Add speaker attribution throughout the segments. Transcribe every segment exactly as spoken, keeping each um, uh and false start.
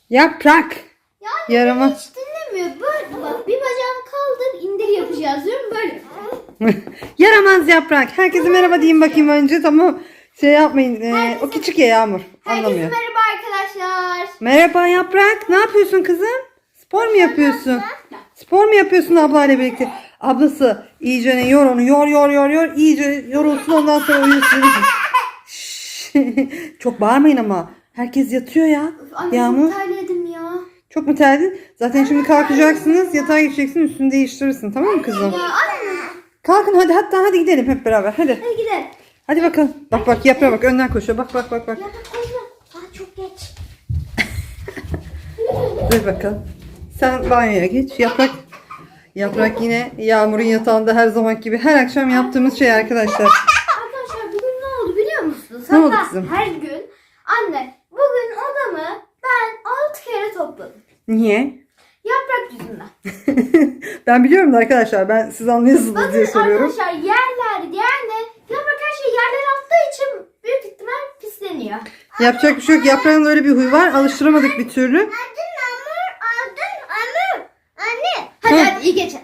Speaker 1: Yaprak.
Speaker 2: Yani
Speaker 1: Yaramaz.
Speaker 2: hiç dinlemiyor. Böyle bak, bir bacağını kaldır, indir yapacağız diyorum böyle.
Speaker 1: Yaramaz yaprak. Herkese merhaba diyeyim bakayım önce, tamam. Şey yapmayın. Ee, o küçük ya Yağmur.
Speaker 2: Herkese
Speaker 1: Anlamıyor.
Speaker 2: merhaba arkadaşlar.
Speaker 1: Merhaba yaprak. Ne yapıyorsun kızım? Spor mu yapıyorsun? Spor mu yapıyorsun ablayla birlikte? Ablası iyice ne yor onu. Yor yor yor yor. İyice yorulsun, ondan sonra uyusun. Şşş. Çok bağırmayın ama. Herkes yatıyor ya.
Speaker 2: Anne
Speaker 1: Yağmur.
Speaker 2: çok terledim ya.
Speaker 1: Çok mu terledin? Zaten şimdi kalkacaksınız. Yatağa geçeceksin. Üstünü değiştirirsin. Tamam mı kızım?
Speaker 2: Ya anne.
Speaker 1: Kalkın hadi, hatta hadi gidelim hep beraber. Hadi.
Speaker 2: Hadi gidelim.
Speaker 1: Hadi bakalım. Bak bak yaprağa bak. Önden koşuyor. Bak bak bak bak.
Speaker 2: Ya bak koşma. Saat çok geç.
Speaker 1: Dur bakalım. Sen banyoya geç. Yaprak. Yaprak yine Yağmur'un yatağında her zaman gibi her akşam yaptığımız şey arkadaşlar.
Speaker 2: Arkadaşlar bugün ne oldu biliyor musunuz?
Speaker 1: Ne oldu
Speaker 2: Hatta
Speaker 1: kızım?
Speaker 2: her gün anne bugün odamı ben altı kere topladım.
Speaker 1: Niye?
Speaker 2: Yaprak yüzünden.
Speaker 1: Ben biliyorum da arkadaşlar. Ben siz anlıyorsunuz diye
Speaker 2: Bakın
Speaker 1: soruyorum.
Speaker 2: arkadaşlar yerler yani yaprak her şey yerlere attığı için büyük ihtimal pisleniyor.
Speaker 1: Yapacak bir şey yok. Yaprağın öyle bir huyu var. Alıştıramadık bir türlü.
Speaker 2: Aldın Amur, aldın Amur. Anne. Hadi
Speaker 1: Hı.
Speaker 2: hadi iyi geçelim.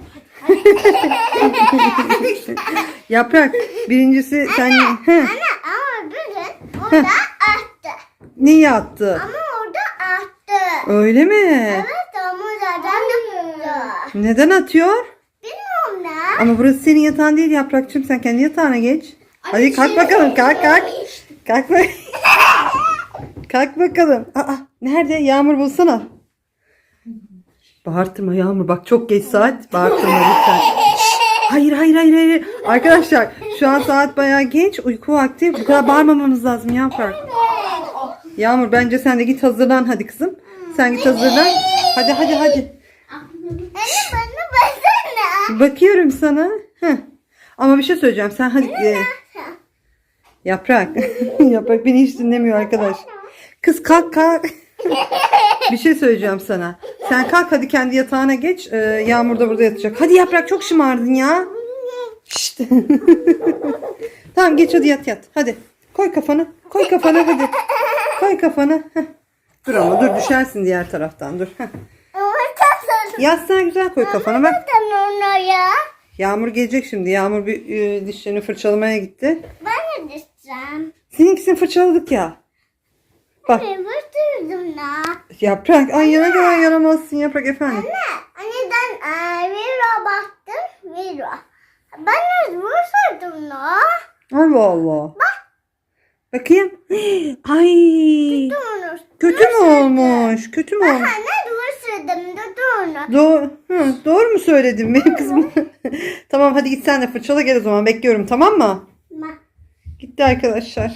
Speaker 1: Yaprak. Birincisi sen... Heh.
Speaker 2: Ama bugün orada attı.
Speaker 1: Neyi attı?
Speaker 2: Ama orada attı.
Speaker 1: Öyle mi?
Speaker 2: Evet ama zaten attı.
Speaker 1: Neden atıyor?
Speaker 2: Bilmiyorum ne.
Speaker 1: Ama burası senin yatağın değil Yaprakçığım. Sen kendi yatağına geç.
Speaker 2: Ay,
Speaker 1: Hadi kalk
Speaker 2: şey-
Speaker 1: bakalım. Kalk kalk. Kalk bak. Kalk bakalım. Aa, nerede? Yağmur bulsana. Bağırtma Yağmur. Bak çok geç saat. Bağırtma lütfen. Hayır hayır hayır hayır. Arkadaşlar şu an saat bayağı geç. Uyku vakti. Bu kadar bağırmamamız lazım Yaprak. Yağmur bence sen de git hazırlan hadi kızım. Sen git hazırlan. Hadi hadi hadi.
Speaker 2: Anne bana baksana.
Speaker 1: Bakıyorum sana. Heh. Ama bir şey söyleyeceğim. Sen hadi. e, Yaprak. Yaprak beni hiç dinlemiyor arkadaş. Kız kalk kalk. Bir şey söyleyeceğim sana. Sen kalk hadi kendi yatağına geç. Ee, Yağmur da burada yatacak. Hadi Yaprak çok şımardın ya. Şşt. Tamam geç hadi yat yat. Hadi. Koy kafanı. Koy kafanı hadi. Koy kafanı. Heh. Dur ama dur düşersin diğer taraftan dur. Heh. Yastığa güzel koy kafanı bak.
Speaker 2: ya.
Speaker 1: Yağmur gelecek şimdi. Yağmur bir e, dişlerini fırçalamaya gitti.
Speaker 2: Ben de düşeceğim.
Speaker 1: Seninkisini fırçaladık ya. Bak
Speaker 2: Ben vurdurdum da.
Speaker 1: Yaprak. Ay yana kadar yaramazsın Yaprak efendim.
Speaker 2: Anne, anneden eee, Vero baktım. Vero. Ben de vurdurdum da.
Speaker 1: Allah Allah. Bakayım. Ay.
Speaker 2: Dur.
Speaker 1: Kötü mü olmuş? Kötü mü olmuş?
Speaker 2: Anne vurdurdum da dur.
Speaker 1: Doğru, hı, doğru mu söyledim benim kızım? Tamam hadi git sen de fırçala gel o zaman. Bekliyorum tamam mı? Gitti arkadaşlar.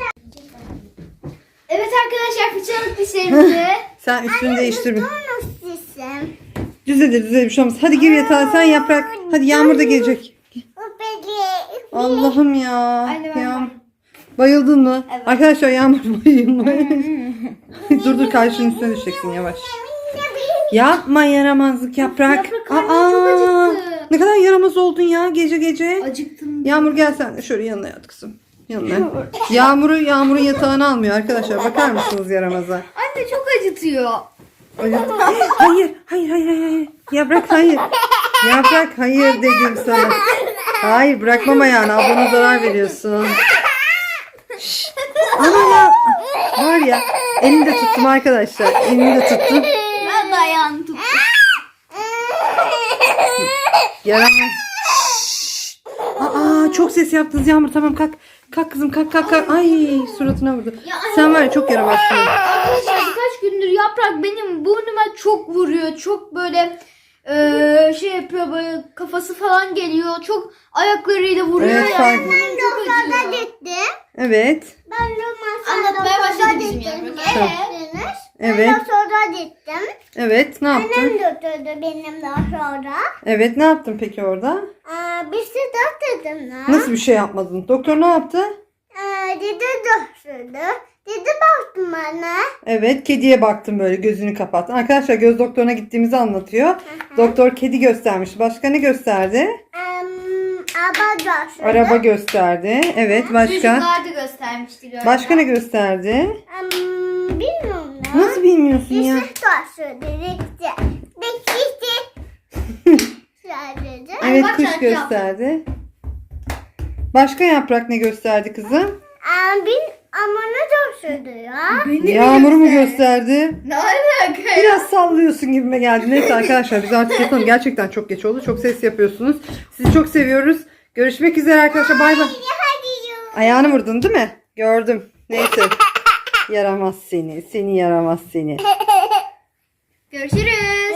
Speaker 2: Evet arkadaşlar fırçaladık dişlerimizi.
Speaker 1: Sen üstünü değiştir bir.
Speaker 2: Nasılsın?
Speaker 1: Düzelir düzelir bir şey olmaz. Hadi gir yatağa sen Yaprak. Hadi Yağmur da gelecek. Allah'ım ya.
Speaker 2: Anne, ben
Speaker 1: ya.
Speaker 2: bayıldım.
Speaker 1: Bayıldın mı?
Speaker 2: Evet.
Speaker 1: Arkadaşlar Yağmur bayılmış. dur dur karşının üstüne düşeceksin yavaş. Yapma yaramazlık Yaprak.
Speaker 2: Yaprak karnım çok acıktı.
Speaker 1: Ne kadar yaramaz oldun ya gece gece.
Speaker 2: Acıktım.
Speaker 1: Yağmur gel sen de şöyle yanına yat kızım. Yanına. Yağmur'u Yağmur'un yatağını almıyor arkadaşlar. Bakar mısınız yaramaza?
Speaker 2: Anne çok acıtıyor.
Speaker 1: Hayır, hayır, hayır, hayır, hayır. Yaprak hayır. Yaprak hayır dedim sana. Hayır bırakmam ayağını. Ablana zarar veriyorsun. Şşş. Ana ya. Var ya. Elini de tuttum arkadaşlar. Elini de tuttum.
Speaker 2: Ben de ayağını tuttum.
Speaker 1: Yaramaz. Şşş. Aa çok ses yaptınız Yağmur. Tamam kalk. Kalk kızım kalk kalk kalk. Ay suratına vurdu. Sen var ya çok yaramazsın.
Speaker 2: Arkadaşlar birkaç gündür yaprak benim burnuma çok vuruyor. Çok böyle eee, şey yapıyor böyle kafası falan geliyor. Çok ayaklarıyla vuruyor
Speaker 1: Evet,
Speaker 2: ya.
Speaker 1: fark-
Speaker 2: Burnum çok acıyor.
Speaker 1: Evet.
Speaker 2: Ben de anlatmaya başladı bizim yaprak. Evet.
Speaker 1: Evet.
Speaker 2: Sonra gittim.
Speaker 1: Evet ne yaptın?
Speaker 2: Annem götürdü benim daha sonra.
Speaker 1: Evet ne yaptın peki orada?
Speaker 2: Ee, bir şey götürdüm da.
Speaker 1: Nasıl bir şey yapmadın? Doktor ne yaptı?
Speaker 2: Ee, dedi götürdü. Dedi baktım bana.
Speaker 1: Evet kediye baktım böyle gözünü kapattın. Arkadaşlar göz doktoruna gittiğimizi anlatıyor. Doktor kedi göstermiş. Başka ne gösterdi?
Speaker 2: Um, araba götürdü.
Speaker 1: Araba gösterdi. Evet başka?
Speaker 2: Çocuklar da göstermişti galiba.
Speaker 1: Başka ne gösterdi?
Speaker 2: Um, bilmiyorum ne.
Speaker 1: Nasıl bilmiyorsun ya?
Speaker 3: Yusuf da söyledikçe. Bekçisi. Sadece.
Speaker 1: Evet
Speaker 2: bak
Speaker 1: kuş
Speaker 2: şarkı
Speaker 1: gösterdi. Başka Yaprak ne gösterdi kızım?
Speaker 3: Abin ama ne da söylüyor?
Speaker 2: Beni
Speaker 1: Yağmuru mu
Speaker 2: göster.
Speaker 1: gösterdi?
Speaker 2: Ne alaka ya?
Speaker 1: Biraz sallıyorsun gibime geldi. Neyse arkadaşlar biz artık yatalım. Gerçekten çok geç oldu. Çok ses yapıyorsunuz. Sizi çok seviyoruz. Görüşmek üzere arkadaşlar. Bay bay.
Speaker 3: Hadi yürü.
Speaker 1: Ayağını vurdun değil mi? Gördüm. Neyse. Yaramaz seni. Seni yaramaz seni.
Speaker 2: Görüşürüz.